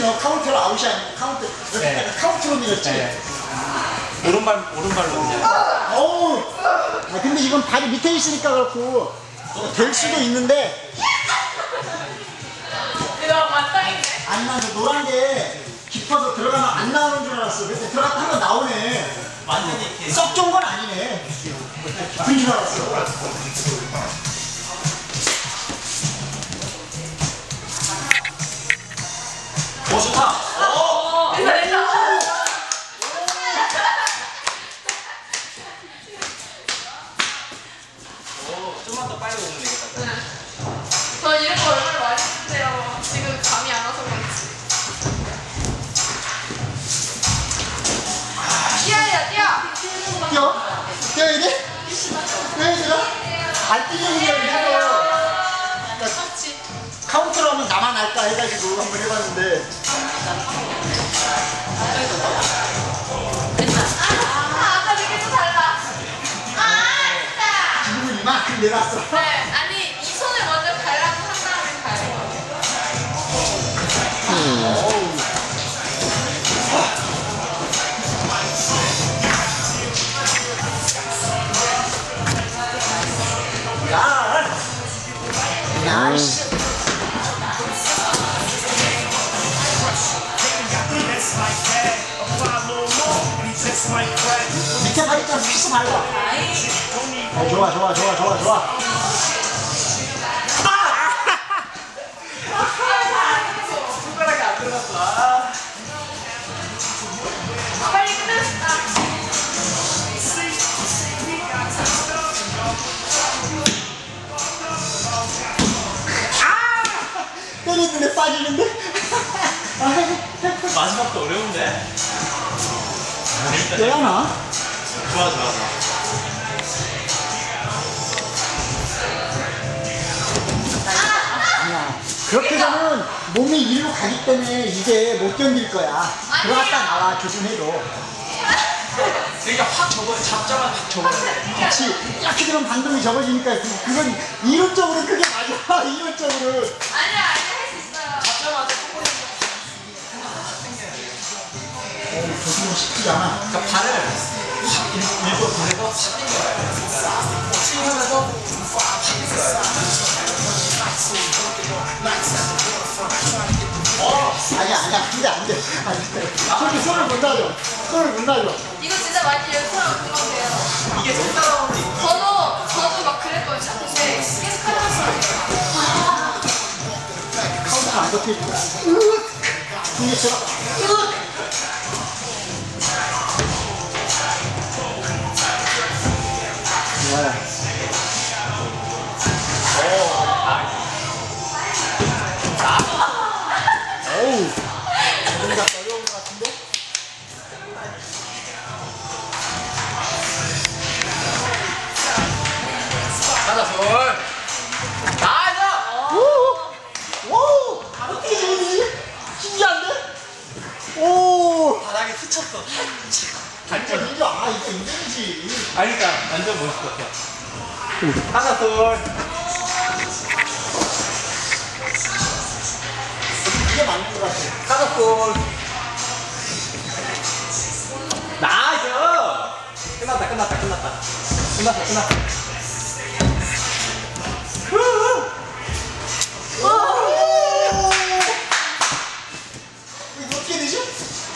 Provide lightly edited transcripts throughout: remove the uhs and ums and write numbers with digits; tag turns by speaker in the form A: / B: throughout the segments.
A: 너 카운트로 아웃이 아니고 카운트.
B: 네.
A: 카운트로 밀었지?
B: 네. 오른발로 그냥.
A: 어우. 아, 근데 이건 발이 밑에 있으니까 그렇고 될 수도 있는데.
C: 이거 맞다인데?
A: 안 나서 노란 게 깊어서 들어가면 안 나오는 줄 알았어. 근데 들어갔다 하면 나오네.
B: 완전히
A: 썩 좋은 건 아니네. 깊은 줄 알았어.
B: 오, 좋다.
C: 됐다, 됐다.
B: 좀만 더 빨리 오면 되겠다.
C: 저 이런 거 얼마나 많이 쓰는데요. 지금 감이 안 와서 그렇지. 뛰어야 뛰어.
A: 뛰어? 뛰어야 돼? 뛰어야 되나? 안 뛰는 게 아니라
C: 그렇지.
A: 카운트로 하면 나만 할까 해가지고 한번 해봤는데.
C: 아까 느낌도 달라. 됐다.
A: 지금은 이만큼 내놨어.
C: 네, 아니 이 손을 먼저 갈라고 한 다음에 가요.
A: 야! 나이스! 밑에 발이랑 피스 밟아. 좋아, 좋아, 좋아, 좋아, 좋아.
B: 손가락이 안 들어갔어.
C: 빨리 끝냈다.
A: 때리는데 빠지는데?
B: 마지막도 어려운데. 재밌다.
A: 되나?
B: 좋아, 좋아.
A: 아니야. 그렇게 되면 몸이 이리로 가기 때문에 이게 못 견딜 거야. 들어갔다 나와, 조준해도.
B: 그러니까 확 잡자마자 확 접어야
A: 그렇지. 이렇게 되면 반동이 접어지니까 그건 이론적으로 그게 맞아. 이론적으로.
C: 아니야 할 수 있어요.
B: 잡자마자
A: 조준은 쉽지 않아.
B: 그러니까 발을 확 일부러 보내서 확 당겨야 돼. 스윙하면서 확
A: 아니야, 근데 안 돼. 손을 못 놔줘. 손을 못 놔줘.
C: 이거 진짜 많이 연습하면 금방 돼요.
B: 이게 손 따라오는
C: 저도 막 그랬거든요. 근데 계속 하면서
A: 카운트 안 잡혀 있고. 분기처럼. 좋아요. 어우. 뭔가 어려운 것 같은데?
B: 가자, 손. 나이스!
A: 오! 어떻게 되지? 신기한데? 오!
B: 바닥에 스쳤어.
A: 진짜 이거, 이거 인정이지.
B: 아니, 그러니까 완전 멋있었어. 하나, 둘.
A: 이게 맞는 것 같아.
B: 하나, 둘. 나이스! 끝났다.
A: 이거 어떻게 되지?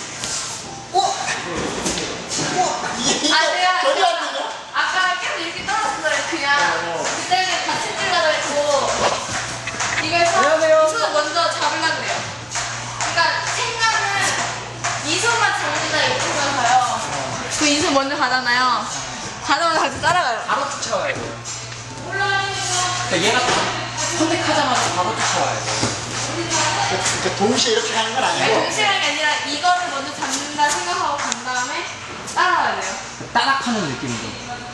A: 이게
C: 아니야.
A: 전혀 안 되냐?
C: 아까 계속 이렇게 떨어졌어요. 그냥 그때는 같이 뛰려고 했고 이걸
B: 안녕하세요.
C: 이 손을 먼저 잡으려고 그래요. 그러니까 생각은 이 손만 잡는다 이렇게 생각해요. 그 이 손 먼저 가잖아요. 가자마자 같이 따라가요.
B: 바로 쫓아와야 돼. 그러니까 얘가 선택하자마자 바로 쫓아와야 돼.
A: 그러니까 동시에 이렇게 하는 건
C: 아니,
A: 아니고.
C: 동시간이 아니라 이거를 먼저 잡는다 생각하고 간 다음에 따라가야 돼요.
B: 따락하는 느낌으로.